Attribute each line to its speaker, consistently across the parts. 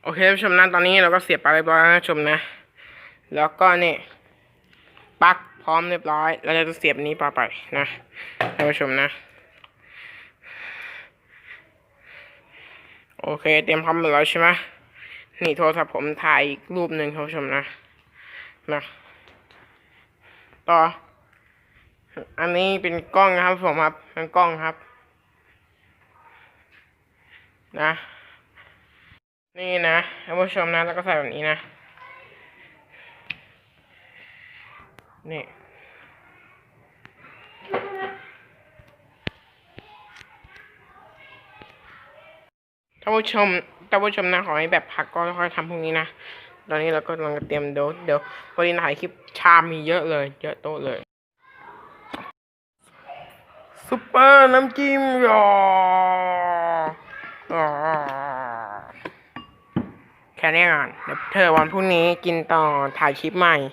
Speaker 1: โอเคท่านผู้ชมนะตอนนี้เราก็เสียบปลั๊กเรียบร้อยแล้วนะชมนะแล้วก็นี่ปลั๊กพร้อมเรียบร้อยเราจะเสียบนี้ไปนะท่านผู้ชมนะโอเคเตรียมพร้อมหมดแล้วใช่ไหมนี่โทรศัพท์ผมถ่ายอีกรูปหนึ่งท่านผู้ชมนะต่ออันนี้เป็นกล้องนะครับผมครับเป็นกล้องครับนะนี่นะท่านผู้ชมนะแล้วก็ใส่แบบนี้นะนี่ท่านผู้ชมนะขอให้แบบพักก็ค่อยทำพวกนี้นะตอนนี้เราก็กำลังเตรียมเดี๋ยววันนี้ถ่ายคลิปชามมีเยอะเลยเยอะโต๊ะเลยซุปเปอร์น้ำจิ้มหรอแค่นี้ก่อนเดี๋ยวเธอวันพรุ่งนี้กินต่อถ่ายคลิปใหม่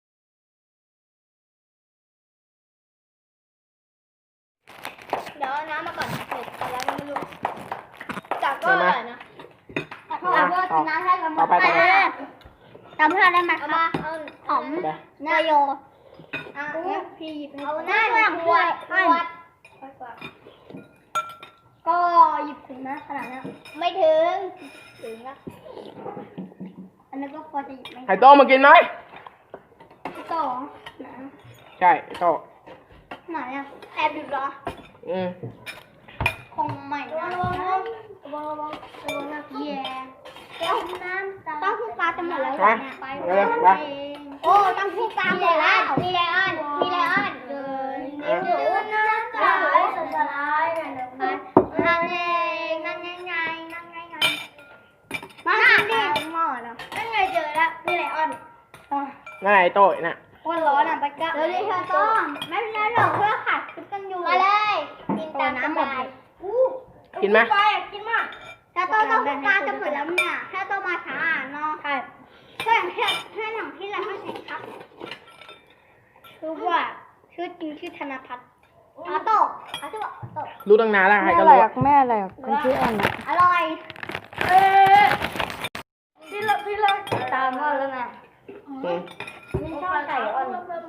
Speaker 2: เดี๋ยวน้ำมาก่อนเผ็ดแต่แล้วไม่รู้จับก็อร่อยนะจับก็น้ำให้กันหมดจำเพื่อนได้ไหมคะหอมนายโยพี่หยิบเอาหน้าขวดก็หยิบถึงนะขนาดนั้นไม่ถึงนะอันนั้นก็พอจะหยิบไหม
Speaker 1: ไข่โต้มากินไหม
Speaker 2: โต้
Speaker 1: ใช่โต้
Speaker 2: ไหนอ่ะแอบหยุดเหรอคงใหม่นะระวังนะแย่แล้วน้ำต้องพูดปลาจะหมดแล้วไปโอ้ต้องพูดปลาหมดแล้วมีไลออนเลยอยู่น้ำตาไหลสลายนั่นไงมากินดิหม้อเนาะนั่นไงเจอแล้วมีไลออน
Speaker 1: นั่นไงโต้น่ะ
Speaker 2: คนร้อนอ่ะไปก็เดี๋ยวเธอต้องไม่เป็นไรหรอกเพื่อขัดกันอยู่มาเลยกินตามน้ำหมด
Speaker 1: กินไหม
Speaker 2: กินมากถ้าโตต้องปลาจะหมดแล้วเนี่ยถ้าโตมาช้าเนาะใช่แค่หนังที่เราให้เห็นครับคือว่าชื่อจริงชื่อธนพัฒน์โต
Speaker 1: รู้ตั้งนานแล้วใครก็รู้
Speaker 3: แม่อะไรคนชื่ออันนะ
Speaker 2: อร่อยพี่เลิกตามมาแล้วนะไม่ชอบไก่อ่อน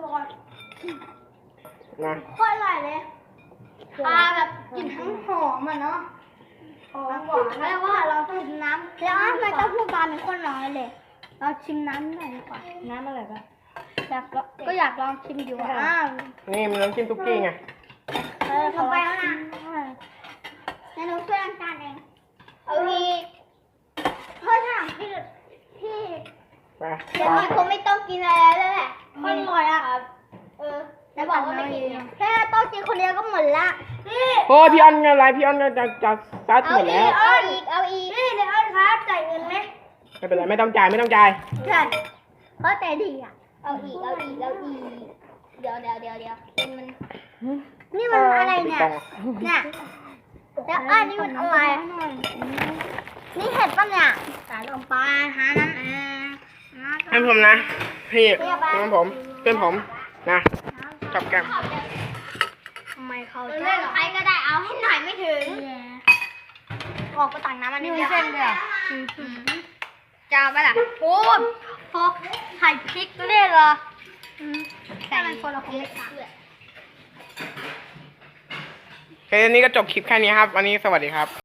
Speaker 1: นะ
Speaker 2: โคตรอร่อยเลยปลาแบบกลิ่นทั้งหอมอ่ะเนาะหอมหวานแล้วว่าเราต้องชิมน้ำแล้วมันต้องพูดปลาเป็นคนน้อยเลยเราชิมน้ำหน่อยดีกว่า
Speaker 3: น้ำอะไรบ้าง
Speaker 2: อยากลองชิมอยู่
Speaker 1: นี่มันน้ำจิ้มตุ๊กกี้ไง
Speaker 2: ลงไปแล้วนะในหนูช่วยล้างจานเองเอาอีกเพื่อถามพี่เดี๋ยวคงไม่ต้องกินอะไรแล้วแหละมันอร่อยอ่ะแล้วบอกว่าไม่กินแค่ต้องกินคนเดียวก็หมดละ
Speaker 1: โอ้พี่อันอะไรพี่อันจะซัดหมดแล้ว
Speaker 2: เอาอีกนี่เดี๋ยวครับจ่ายเงินไหม
Speaker 1: ไม่เป็นไรไม่ต้องจ่าย
Speaker 2: ใช่เพราะแต่ดีอ่ะเอาอีกเดี๋ยวมันนี่มันอะไรเนี่ยแล้วนี่มันอะไรนี่เห็ดป่ะเนี่ยสายลงไปหาน้ำ
Speaker 1: ให้ผมนะพี่ผมเป็นผมนะจับแก้ม
Speaker 2: ทำไมเขาเล่นใครก็ได้เอาให้หน่อยไม่ถึงออกไปตักน้ำมันนี่เส้นเลยจะเอาไปล่ะโอ้พอไข่พริกเล่นเหรอแต่มันคนละคนไม่ขาด
Speaker 1: โอเคนี้ก็จบคลิปแค่นี้ครับวันนี้สวัสดีครับ